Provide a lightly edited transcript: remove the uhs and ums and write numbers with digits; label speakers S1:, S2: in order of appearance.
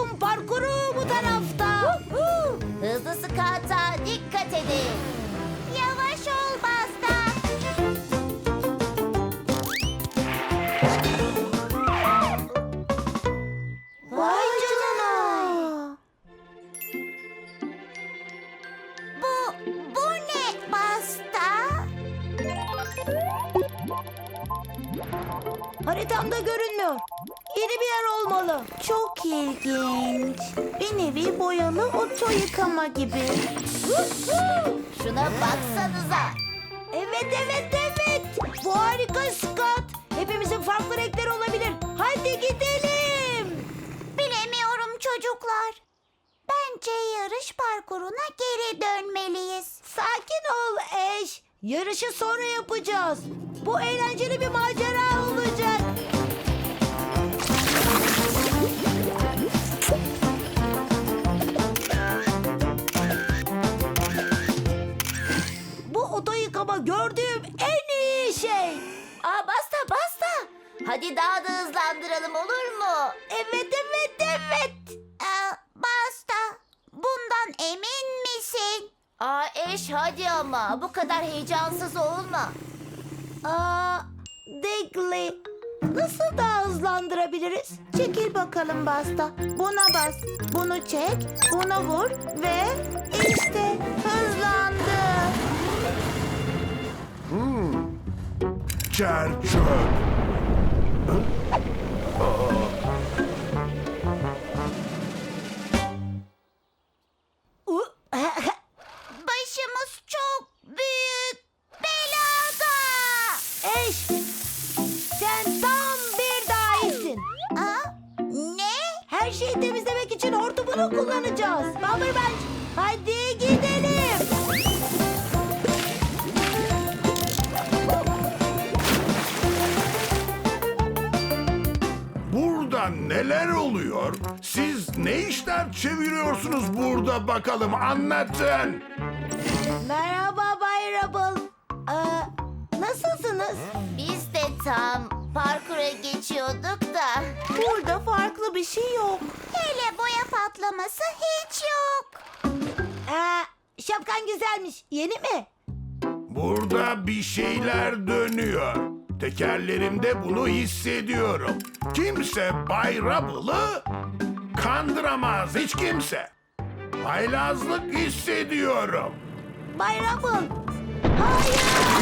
S1: Kum parkuru bu tarafta.
S2: Hızlı skata dikkat edin. Yavaş ol Basta.
S1: Vay canına.
S2: Bu ne Basta?
S1: Haritamda görünmüyor. Yeni bir yer olmalı.
S3: Çok ilginç. Bir nevi boyalı oto yıkama gibi.
S2: Şuna baksanıza.
S1: Evet. Bu harika Scott. Hepimizin farklı renkleri olabilir. Hadi gidelim.
S2: Bilemiyorum çocuklar. Bence yarış parkuruna geri dönmeliyiz.
S1: Sakin ol Ash. Yarışı sonra yapacağız. Bu eğlenceli bir macera olacak. Bu oto yıkama gördüğüm en iyi şey.
S2: Aa Basta. Hadi daha da hızlandıralım olur mu?
S1: Evet.
S2: Basta, bundan emin misin? Eş hadi ama bu kadar heyecansız olma.
S1: Digley. Nasıl daha hızlandırabiliriz?
S3: Çekil bakalım Basta. Buna bas. Bunu çek. Buna vur ve işte hızlandı.
S4: Çer-çöp.
S2: Başımız çok büyük belada.
S1: Ash, sen tam bir dahisin.
S2: Ne?
S1: Her şeyi temizlemek için hortumunu kullanacağız. Bomberbench, hadi gidelim.
S4: Burada neler oluyor? Siz ne işler çeviriyorsunuz burada bakalım anlatın.
S1: Merhaba Bay Rubble. Nasılsınız?
S2: Biz de tam parkura geçiyorduk da.
S3: Burada farklı bir şey yok.
S2: Hele boya patlaması hiç yok.
S1: Şapkan güzelmiş. Yeni mi?
S4: Burada bir şeyler dönüyor. Tekerlerimde bunu hissediyorum. Kimse Bay Rubble'ı kandıramaz hiç kimse. Haylazlık hissediyorum.
S1: Bay Rubble. Hayır!